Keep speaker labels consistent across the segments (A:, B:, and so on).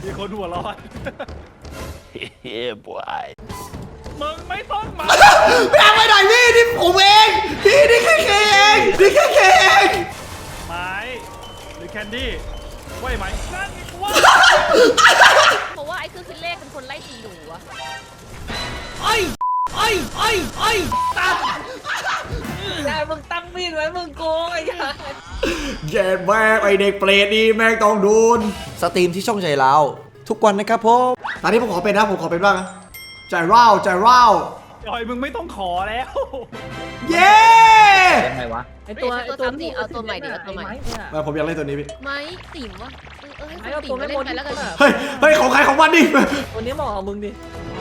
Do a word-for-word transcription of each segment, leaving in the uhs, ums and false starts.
A: มีคนหัวร้อนเฮ้ยบอยมึงไม่ต้องมา
B: พี่ยังไปหน่อยพี่นี่ผมเองพี่นี่แค่เคเองนี่แค่เคเอง
A: ไม้หรือแคนดี้ไหวไหมนั่นไงกูว่า
C: เพราะว่าไอ้เครื่องคิดเลขเป็นคนไล่ตีหนูอะ
B: ไอ้ไอ้ไอ้ไอ้ตั้ง
D: ยายมึงตั้งมีดไว้มึงโกงไอ้ยาย
B: แย่แม่ไอเด็กเปรตนี่แม่งต้องโดนสตรีมที่ช่องใจเราทุกวันนะครับผมตอนนี้ผมขอเป็นนะผมขอเป็นบ้างนะใจร้าวใจร้าว
A: จอยมึงไม่ต้องขอแล้ว
B: เย้
D: ยังไงวะ
C: ไอตัวไอตัวนี้เอาตัวใหม่ดิเอาตัวใหม่
B: มาผมอยากเล่นตัวนี้พี่
C: ไม้ติ๋มวะเออให้ติ๋มเล่นไปแล้วกัน
B: เฮ้ยเฮ้ยของใครของมันดิ
D: ตัวนี้เหมาะกับมึงดิ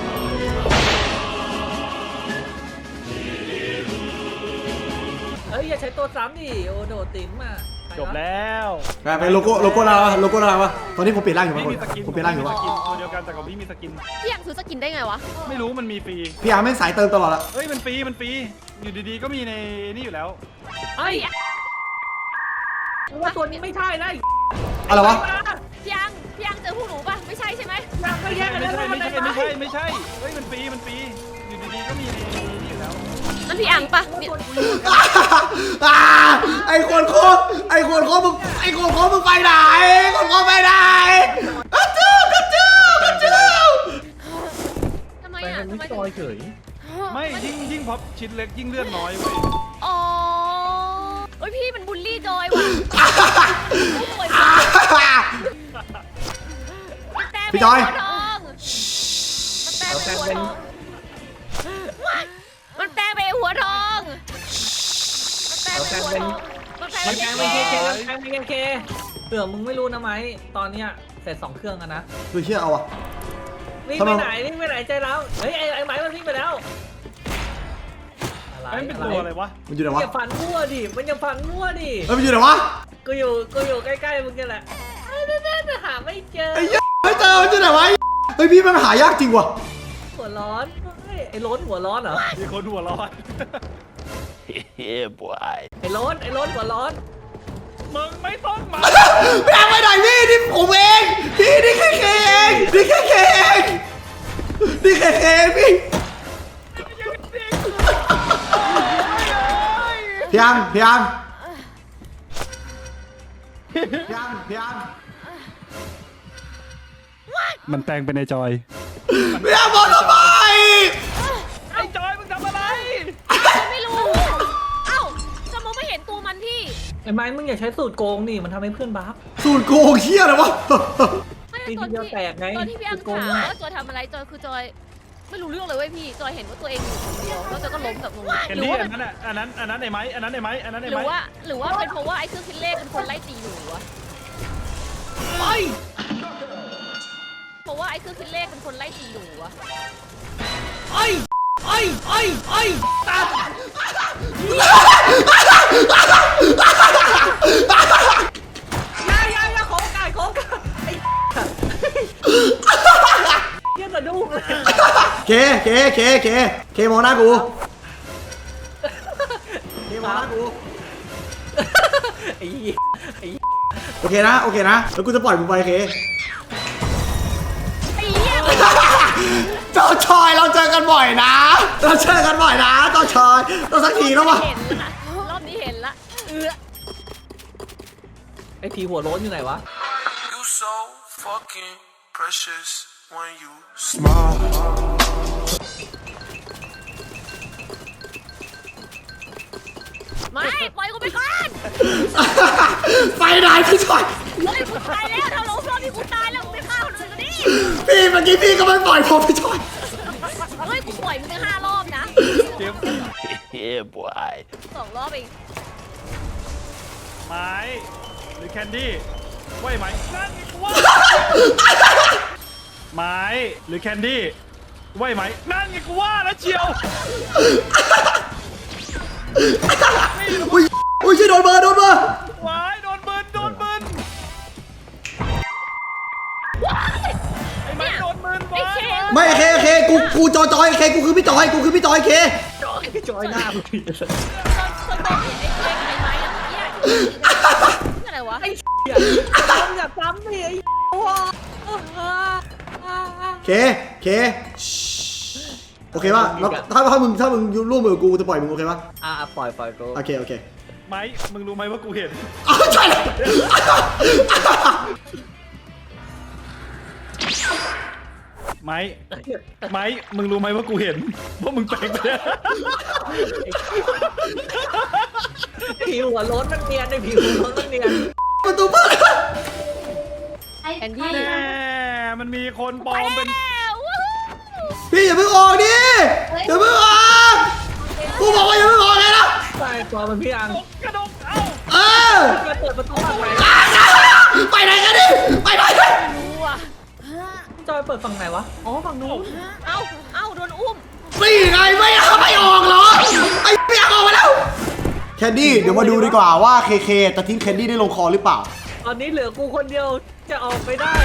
D: เฮ้ยอย่าใช้ตัวซ้ำดิโอโดติ๋มอ่ะ
A: จบแล้ว
B: ไปโลโก้โลโก้อะไรวะโลโก้อะไรวะตอนนี้ผมเปลี่ยนร่างอยู่มั้ยผมเปลี่ยนร่างอยู่วะ
A: ตัวเดียวกันแต่ของพี่มีสกิน
C: พี่อยากซื้อสกินได้ไงวะ
A: ไม่รู้มันมีฟรี
B: พี่อาร์แม่งสายเติมตลอดละ
A: เฮ้ยมันฟรีมันฟรีอยู่ดีๆก็มีในนี่อยู่แล้ว
D: ไอ้ว่าตัวนี้ไม่ใช่นะ
B: อะไรวะ
C: พี่ยังพี่ยังเจอผู้หนูป่ะไม่ใช่ใช่ไหม
D: ยังไม่ใช่
A: ไม่ใช่ไม่ใช่ไม่ใช่ไม่ใช่เฮ้ยมันฟรีมันฟรีอยู่ดีๆก็มีในนี่อยู่แล้ว
C: นั่นพี่อังปะ
B: ไอ้คนโคตรไอ้คนโคตรมึงไอ้คนโคตรมึงไปไหนคนโคตรไปไหนกระจูกระจูกระจู
C: ทำไมอ่ะทำไม
D: จอยเฉย
A: ไม่ยิ่งยิ่งพอชิ้นเล็กยิ่งเลือดน้อยเว้ย
C: อ๋อโอ้ยพี่มันบูลลี่จอยว่ะ
B: พี่จอย
C: มันแปลงไปหัวทองมันแปลงไปหัวทอง
D: มันแปลงไปเคเคมันแปลงไปเคเคเผื่อมึงไม่รู้นะไหมตอนเนี้ยเสร็จสองเครื่องกันนะ
B: ดูเชื่อเอาอะ
D: วิ่งไปไหนวิ่งไปไหนใจเราเฮ้ยไอ้ไอ้ไหมมันวิ่งไปแล้ว
A: อะไรเป็นตัวอะไรวะ
B: มันอยู่ไหนวะ
D: อย่าฟันมั่วดิมันอย่าฟันมั่วดิ
B: เฮ้ยมันอยู่ไหนวะ
D: กูอยู่กูอยู่ใกล้ๆมึงนี่แหละน่าๆหาไม่เจอ
B: ไอ้ยัไม่เจอมันอยู่ไหนวะเฮ้ยพี่มันหายากจริงว่ะ
D: หัวร้อนไอ้ล้นหัวร้อนเหรอ
A: มีคนหัวร้อนเฮ้ยบอย
D: ไอ้ล้นไอ้ล้นหัวร้อน
A: มึงไม่ต้องมา
B: พี่ยังไปหน่อยพี่นี่ผมเองพี่นี่แค่เคเองนี่แค่เคเองนี่แค่เคพี่พี่ยังพี่ยังพี่ยังพี่ยัง
A: มันแปลงเป็นในจอย
B: พี่ยังบอกทำไม
A: ไอ้จอยมึงทำอะไร
C: ไม่รู้เอ้าจะมองไม่เห็นตัวมันพี่
D: ไอ้ไม้มึงอย่าใช้สูตรโกงนี่มันทำให้เพื่อนบัฟ
B: สูตรโกงเชี่ยเลยวะ
D: ตีทีเดียวแตกไง
C: ตอนที่พี่อังถามว่าจอยทำอะไรจอยคือจอยไม่รู้เรื่องเลยเว้ยพี่จอยเห็นว่าตัวเองอยู่คนเดียวแล้วจอยก็ล้มแบบงง
A: หรือว่าอันนั้นอ่ะอันนั้นอันนั้นไอ้ไม้อันนั้นไอ้ไม้อันนั้นไอ้
C: ไม้หรือ
A: ว่า
C: หรือว่าเป็นเพราะว่าไอ้เครื่องคิดเลขเป็นคนไล่ตีหนูวะ
B: ไป
C: เพราะว่าไอ้เครื่องคิดเลขเป็นคนไล่ตีหนูวะ
B: ไอ้ไอ้ไอ้ไอ้ตา
D: ย่าย่าย่าของไก่ของไก่ไอ้เยี่ยมกระดูกเลย
B: เคเคเคเคเคมองหน้ากูเคมองหน้ากู
D: ไอ้ไอ้
B: โอเคนะโอเคนะแล้วกูจะปล่อยมึงไปเคเจ้าชอยเราเจอกันบ่อยนะเราเจอกันบ่อยนะเจ้าชอยต้องสักทีแล้ววะ
C: รอบนี้เห็นละเออ
D: ไอ้ทีหัวโล้นอยู่ไหนวะ
C: ไม่ปล่อยกูไปก่อน
B: ไปไหนพี่ชอย
C: เฮ้ยกูตายแล้วถ้าลงรอบนี้กูตายแล้วกูไปฆ่าคนอื่นก็ดิ
B: พี่เมื่อกี้พี่ก็ไม่ปล่อยผมพี่ชอย
C: เฮ้ยกูปล่อยมึงไปห้ารอบนะ
A: เจ็บเฮ้ยบอย
C: สองรอบเอง
A: ไม้หรือแคนดี้ไหวไหมนั่นไงกูว่าไม้หรือแคนดี้ไหวไหมนั่นไงกูว่าแล้วเชียว
B: อุ้ยอุ้ยช่วยโดนเบอร์โดนเบอร์
A: วายโดนเบิร์นโดนเบิร์นไอ้ไม้โดนเบิร์นวาย
B: ไม่เคเคกูกูจอยจอยเคกูคือพี่จอยกูคือพี่จอยเค
D: จอยจอยหน้ามึง
C: ตอนตอนเห็นไอ้เคไอ้ไม้อะเนี่ยอะไรวะ
D: ไอ้เหี้ยมึงอย่าซ้ำดิไอ้หัว
B: เคเคโอเคป่ะแล้วถ้าถ้ามึงถ้ามึงร่วมมือกูจะปล่อยมึงโอเคป่ะ
D: อ่ะปล่อยปล่อยกู
B: โอเคโอเค
A: ไม้มึงรู้ไหมว่ากูเห็น
B: อ้าวใช่เลย
A: ไม้ไม้มึงรู้ไหมว่ากูเห็นว่ามึงแปลงไปแล้ว
D: ผิวหัวโล้นมันเนียนในผิวหัวโล้นมันเนียน
B: ประตูเปิด
C: แคนดี้
A: แน่มันมีคนปลอมเป็น
C: แล้ววู้ฮู้
B: พี่อย่าเพิ่งออกดิอย่าเพิ่งออกกูบอกว่าอย่าเพิ่งออกเลยนะ
D: ใช่ตัวมันพี่อัง
A: กระดกเอ้า
B: เออ
D: จะเปิดประตูฝั่งไหน
B: ไปไหนกันดิไปไหนกัน
C: รู้อ่ะ
D: จอยเปิดฝั่งไหนวะอ๋อฝั่งนู้น
C: เอ้าเอ้าโดนอุ้ม
B: นี่ไงไม่ไม่ออกเหรอไอ้เปียกออกมาแล้วแคนดี้เดี๋ยวมาดูดีกว่าว่าเคเคจะทิ้งแคนดี้ได้ลงคอหรือเปล่า
D: ตอนนี้เหลือกูคนเดียวจะออกไปได้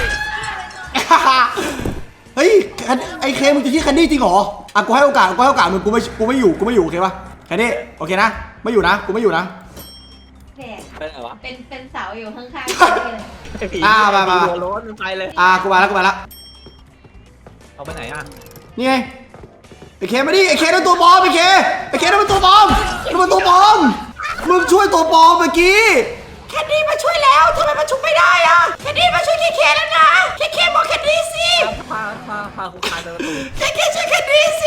B: เฮ้ยไอ้เคมึงจะทิ้งแคนดี้จริงเหรออ่ะกูให้โอกาสกูให้โอกาสมึงกูไม่กูไม่อยู่กูไม่อยู่โอเคปะแคนดี้โอเคนะไม่อยู่นะกูไม่อยู่นะ
E: แขก
D: ไปไหนวะ
E: เป็นเป็นเสาอยู่ข้างๆกันเลย
D: ไอ้ผี
B: อ่ามามา
D: หัวโล้นมันไปเลย
B: อ่ะกูมาแล้วกูมาแล้ว
D: เอาไปไหนอ่ะ
B: นี่ไงไอ้เคมาดิไอ้เคนั่นตัวปลอมไอ้เคไอ้เคนั่นมันตัวปลอมนั่นมันตัวปลอมมึงช่วยตัวปลอมเมื่อกี้แคนดี้มาช่วยแล้วทำไมมันช่วยไม่ได้อะแคนดี้มาช่วยเคเคแล้วนะเคเคบอกแคนดี้สิ
D: พาพาพาคุกคานไปประตู
B: เคเคช่วยแคนดี้สิ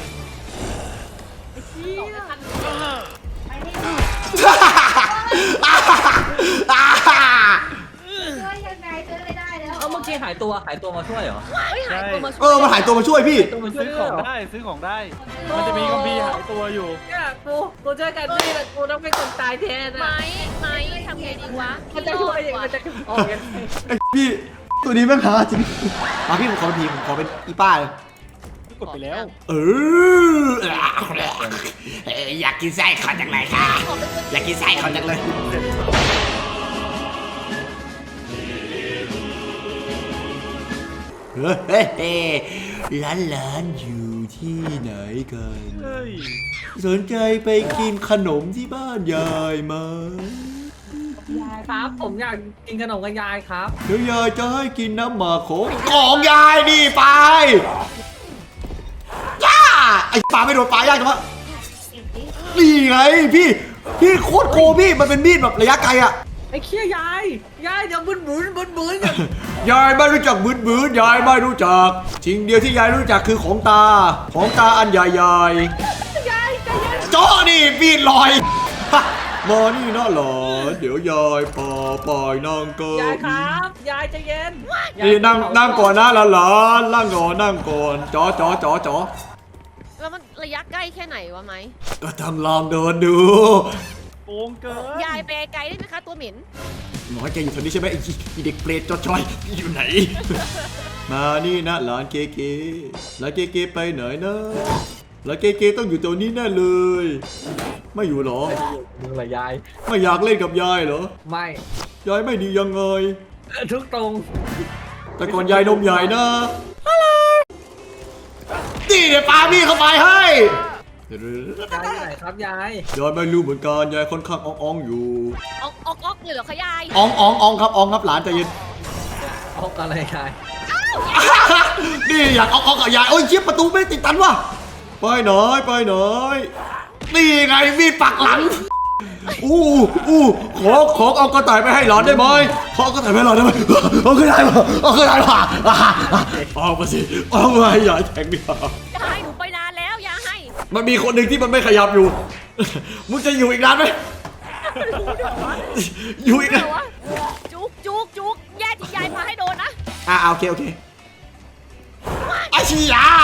E: ไปนี่ช่วยยังไงช่วยไม่ได้แล้ว
D: เอาเมื่อกี้หายตัวหายตัวมาช่วยเหรอ
C: เฮ้ยหายตัวมาช่
B: เอ
C: วย
B: อมันหายตัวมาช่วยพี่
D: ตัวมาช่วย
A: ซื้อ
D: ด้
A: ข
D: วย
A: อง
D: เหรอ
A: ได้ซื้อของได้ มันจะมีกัมพีร์หายตัวอยู่
D: เนี่ยกูกูช่วยกันนี่แหละกูต้องเป็นคนตายแทน
C: ไม้
D: อ่ะ
C: ไม้ทำไงดีวะ
D: มันจะช่วยยังไงมันจะออกยังไง
B: ไอ้พี่ตัวนี้แม่งหาจริงมาพี่ผมขอเป็นทีมผมขอเป็นอีป้าเลย
A: กดไปแล้ว
B: เอออยากกินไส้เขาจังเลยค่ะอยากกินไส้เขาจังเลยเฮ้ยร้านร้านอยู่ที่ไหนกัน
A: เฮ้ย
B: สนใจไปกินขนมที่บ้านยายไหม
D: ยายครับผมอยากกินขนมกับยายครับ
B: เดี๋ยวยายจะให้กินน้ำหมากของของยายนี่ไปย่าไอ้ปลาไม่โดนปลายากจังวะ
E: เก็บดิ
B: นี่ไงพี่พี่โคตรโกงพี่มันเป็นมีดแบบระยะไกลอะ
D: ไอ้เคี้ยยายยายอย่าบึ้นบึ้นบึ้นบึ้นอย่าง
B: ยายไม่รู้จักบืนบืนยายไม่รู้จักสิ่งเดียวที่ยายรู้จักคือของตาของตาอันใหญ่ๆ
D: ยายใจเย็น
B: โจ้นี่มีดลอยมานี่นะหลานเดี๋ยวยายพาไปนั่งก่อน
D: ยายครับยายใจเย็น
B: นี่นั่งนั่งก่อนนะหลานหลานนั่งก่อนนั่งก่อนจ๋อจ๋อจ๋อจ๋อ
C: แล้วมันระยะใกล้แค่ไหนวะไหม
B: ก็ทำลองเดินดู
A: โกงเกิน
C: ยายไปไกลได้ไหมคะตัวเหม็น
B: หมอแกอยู่แถวนี้ใช่ไหมไอ้ไอ้เด็กเปรตจอจอยอยู่ไหน มานี่นะหลานเกเกหลานเกเกไปไหนนะหลานเกเกต้องอยู่ตัวนี้แน่เลย ไม่อยู่หรอ
D: มึงละยาย
B: ไม่อยากเล่นกับยายเหรอ
D: ไม่
B: ยายไม่ดียังไง
D: ทุกตรง
B: แต่ก่อนยายนมใหญ่นะนี่เดี๋ยวปาพี่เข้าไปให้
D: ยายอยู่ไหนครับยาย
B: ยายไม่รู้เหมือนกันยายค่อนข้างอ่องๆอยู่
C: ออกออกออกเลยเหรอคะยาย
B: อ่องอ่องอ่องครับอ่องครับหลานใจเย็น
D: เอาอะไรยาย
B: นี่อยากอ่องอ่องกับยายโอ้ยเชี่ยประตูไม่ติดตันวะไปหน่อยไปหน่อยนี่ไงมีดปักหลังอู้อู้ขอขอเอากระต่ายไปให้หลานได้ไหมขอเอากระต่ายไปให้หลานได้ไหมเอากระต่ายมาเอากระต่ายมาเอามาสิเอามาให้ยายแทงดิ
C: ยายหนูไปนานแล้วยายให้
B: มันมีคนหนึ่งที่มันไม่ขยับอยู่ มึงจะอยู่อีกนานไหม อยู่อีก
C: เดี๋
B: นาย น
C: ววะจุกจุกจุกแย่ที่ยายพาให้โดนนะ
B: อ่าโอเคโอเคไอ้ชียา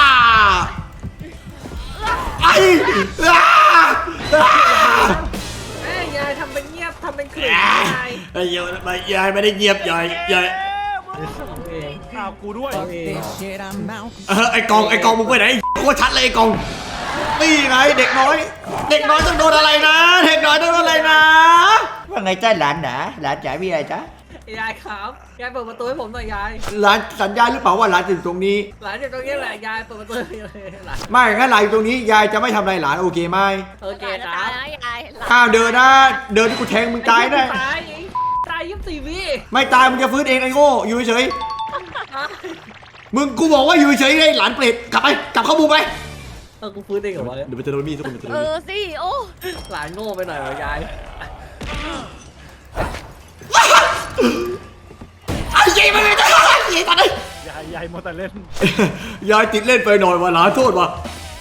B: ไอ้อ้าอ้า
D: แม่ยายทำเป็นเงียบทำเป็นขลุ่ย
B: อ้าย
D: าย
B: ไอ้ยายไม่ยายไม่ได้เงียบยายยาย
D: เอาเอง
A: อ้าวกูด้วย
D: เอาเอง
B: เออไอ้กองไอ้กองมึงไปไหนโคตรชัดเลยไอ้กองนี่ไงเด็กน้อย เด็กน้อยต้องโดนอะไรนะ เด็กน้อยต้องโดนอะไรนะว่าไงจ้าหลานนะหลานจ๋ามีอะไรจ๊ะ
D: ยายครับยายเปิดประตูให้ผมหน่อยยาย
B: หลานสัญญาหรือเปล่าว่าหลานจะอยู่ตรงนี้
D: หลานอยู่ตรงนี้แหละยายเปิดประตูให้หลาน
B: ไม่งั้นหลานอยู่ตรงนี้ยายจะไม่ทำอะไรหลานโอเคไหม
D: โอเค
C: หลาน
D: ค
C: จะ
D: รั
C: ตาย
D: บ
C: นะยายหลาน
B: ห้ามเดินนะ เดินที่กูแทงมึงตายแน่
D: ตายตายยี่สิบสี่วิ
B: ไม่ตายมึงจะฟื้นเองไอ้โง่อยู่เฉยมึงกูบอกว่าอยู่เฉยๆไอ้หลานเปรตกลับไปกลับเข้ามุมไป
D: เออกูฟื้นเองเหรอวะเนี่ย
B: เดี๋ยวมันจะโดนมีดทุกคนมันจะโด
C: เอน
B: มีด
C: อสิโอ้
D: หลานโง่ไปหน่อยวะยาย
B: ไอ้ยี่มันไม่ได้ยี่ตอนนี้
A: ยายยายโมวแต่เล่น
B: ยายติดเล่นไปหน่อยว่ะหลานโทษว่ะ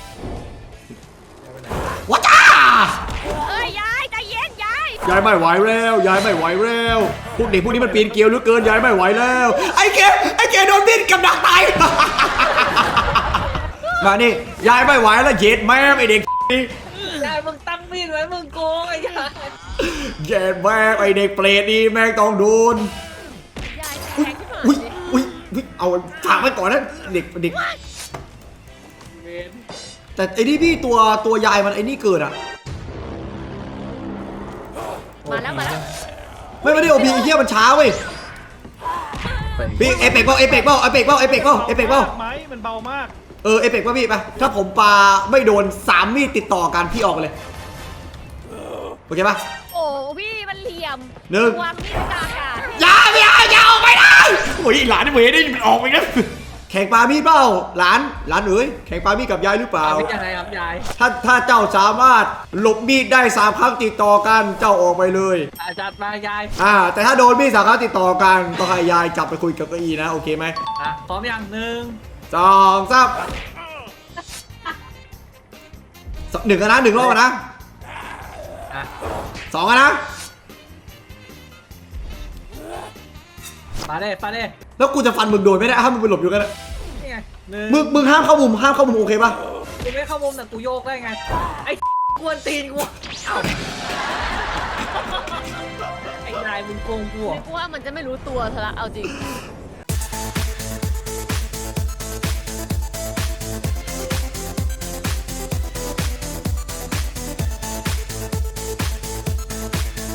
B: ว้าจ้า
C: เอ้ยยายใจเย็นยาย
B: ยายไม่ไหวแล้วยายไม่ไหวแล้วพวกเด็กพวกนี้มันปีนเกลียวเหลือเกินยายไม่ไหวแล้วไอ้เกไอ้เกโดนมีดกับดักตาย มานี่ยายไม่ไหวแล้วเย็ดแม่ไอเด็กนี่
D: ยายมึงตั้งมีดไว้มึงโกงไอ้ยาย
B: เย็ดแม่ไอเด็กเปรตนี่แม่งต้องโดน
C: ยาย
B: อุ้ย
C: แข็งขึ้นมา
B: อุ้ยอุ้ยอุ้ยเอาฝากไว้ก่อนนะเด็กเด็ก
D: เวน
B: แต่ไอ้นี่พี่ตัวตัวยายมันไอ้นี่เกิดอะ
C: มาแล้วมาแล้ว
B: ไม่ไม่ได้โอพีไอ้เหี้ยมันช้าเว้ยพี่เอเปกเปล่าเอเปกเปล่าเอเปกเปล่าเอเปกเปล่าเอเปกเปล่า
A: ไหมมันเบามาก
B: เออเอเปกป่ะพี่ไปถ้าผมปาไม่โดนสามมีดติดต่อกันพี่ออกไปเลยโอเคป่ะ
C: โอ้พี่มันเหลี่ยม
B: หนึ่ง
C: วางมีดกลางอากาศ
B: อย่าอย่าอย่าออกไปได้โอ้ยหลานนี่เว้ยได้มันออกไปนะแข่งปามีดเปล่าหลานหลานเอ๋ยแข่งปามีดกับยายหรือเปล่า
D: เป็นยังไงครับยาย
B: ถ้าถ้าเจ้าสามารถหลบมีดได้สามครั้งติดต่อกันเจ้าออกไปเลย
D: อาจัดมายาย
B: อ่าแต่ถ้าโดนมีดสามครั้งติดต่อกันต้องให้ยายจับไปคุยกับเก้าอี้นะโอเคไหม
D: อ่ะพร้อมยังหนึ่ง
B: สองสามหนึ่งกันนะหนึ่งรอบกันนะ
D: อ่ะ
B: สองกันนะ
D: มาเด้มาเด้
B: แล้วกูจะฟันมึงโดนไม่ได้ห้ามมึงไปหลบอยู่กันนะ
D: นี่ไงหนึ่ง
B: มึงมึงห้ามเข้ามุมห้ามเข้ามุมโอเคป่ะ
D: กูไม่เข้ามุมแต่กูโยกได้ไงไอ้กวนตีนกูเอ้าไอ้ยายมึงโกงกูเหรอ
C: กูว่ามันจะไม่รู้ตัวซะละเอาจริง